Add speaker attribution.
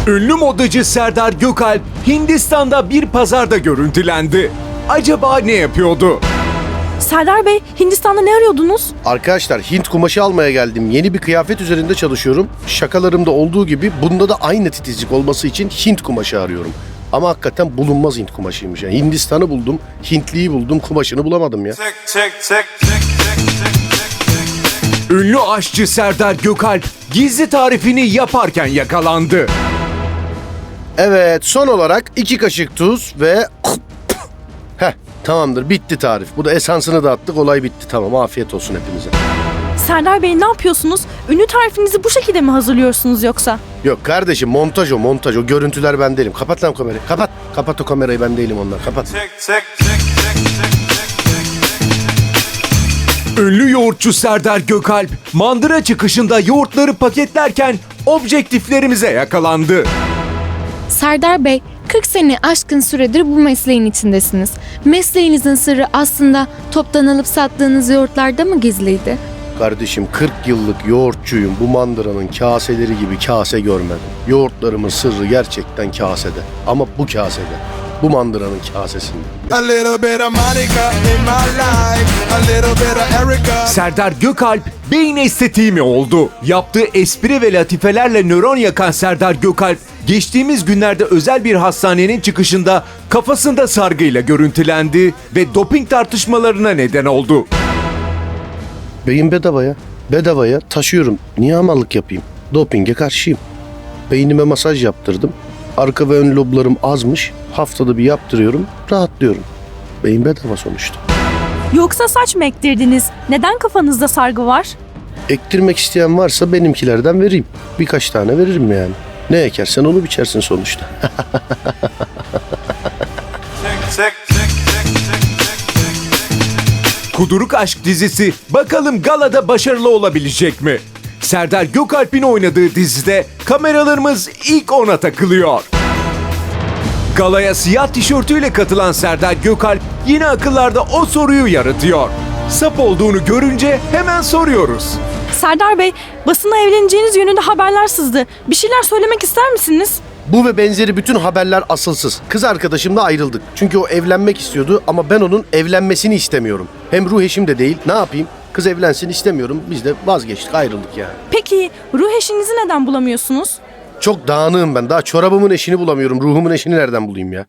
Speaker 1: Ünlü modacı Serdar Gökalp Hindistan'da bir pazarda görüntülendi. Acaba ne yapıyordu?
Speaker 2: Serdar Bey, Hindistan'da ne arıyordunuz?
Speaker 3: Arkadaşlar Hint kumaşı almaya geldim. Yeni bir kıyafet üzerinde çalışıyorum. Şakalarımda olduğu gibi bunda da aynı titizlik olması için Hint kumaşı arıyorum. Ama hakikaten bulunmaz Hint kumaşıymış. Yani Hindistan'ı buldum, Hintliyi buldum, kumaşını bulamadım ya.
Speaker 1: Ünlü aşçı Serdar Gökalp gizli tarifini yaparken yakalandı.
Speaker 3: Evet, son olarak 2 kaşık tuz ve... Tamamdır, bitti tarif. Bu da esansını da attık, olay bitti. Tamam, afiyet olsun hepinize.
Speaker 2: Serdar Bey ne yapıyorsunuz? Ünlü tarifinizi bu şekilde mi hazırlıyorsunuz yoksa?
Speaker 3: Yok kardeşim, montaj o, montaj o. Görüntüler ben değilim. Kapat lan kamerayı, kapat. Kapat o kamerayı, ben değilim onlar, kapat.
Speaker 1: Ünlü yoğurtçu Serdar Gökalp mandıra çıkışında yoğurtları paketlerken objektiflerimize yakalandı.
Speaker 4: Serdar Bey, 40 sene aşkın süredir bu mesleğin içindesiniz. Mesleğinizin sırrı aslında toptan alıp sattığınız yoğurtlarda mı gizliydi?
Speaker 3: Kardeşim 40 yıllık yoğurtçuyum. Bu mandıranın kaseleri gibi kase görmedim. Yoğurtlarımın sırrı gerçekten kasede. Ama bu kasede. Bu mandıranın kasesinde.
Speaker 5: A little bit of Monica in my life, a little bit of Erica.
Speaker 1: Serdar Gökalp beyin estetiği mi oldu? Yaptığı espri ve latifelerle nöron yakan Serdar Gökalp geçtiğimiz günlerde özel bir hastanenin çıkışında kafasında sargıyla görüntülendi ve doping tartışmalarına neden oldu.
Speaker 3: Beyin bedava ya. Bedava ya. Taşıyorum. Niye hamallık yapayım? Dopinge karşıyım. Beynime masaj yaptırdım. Arka ve ön loblarım azmış. Haftada bir yaptırıyorum. Rahatlıyorum. Beyin bedava sonuçta.
Speaker 2: Yoksa saç mı ektirdiniz? Neden kafanızda sargı var?
Speaker 3: Ektirmek isteyen varsa benimkilerden vereyim. Birkaç tane veririm yani. Ne ekersen onu biçersin sonuçta.
Speaker 1: Kuduruk Aşk dizisi bakalım galada başarılı olabilecek mi? Serdar Gökalp'in oynadığı dizide kameralarımız ilk ona takılıyor. Galaya siyah tişörtüyle katılan Serdar Gökalp yine akıllarda o soruyu yaratıyor. Sap olduğunu görünce hemen soruyoruz.
Speaker 2: Serdar Bey, basına evleneceğiniz yönünde haberler sızdı. Bir şeyler söylemek ister misiniz?
Speaker 3: Bu ve benzeri bütün haberler asılsız. Kız arkadaşımla ayrıldık. Çünkü o evlenmek istiyordu ama ben onun evlenmesini istemiyorum. Hem ruh eşim de değil. Ne yapayım? Kız evlensin istemiyorum. Biz de vazgeçtik, ayrıldık yani.
Speaker 2: Peki ruh eşinizi neden bulamıyorsunuz?
Speaker 3: Çok dağınığım ben. Daha çorabımın eşini bulamıyorum. Ruhumun eşini nereden bulayım ya?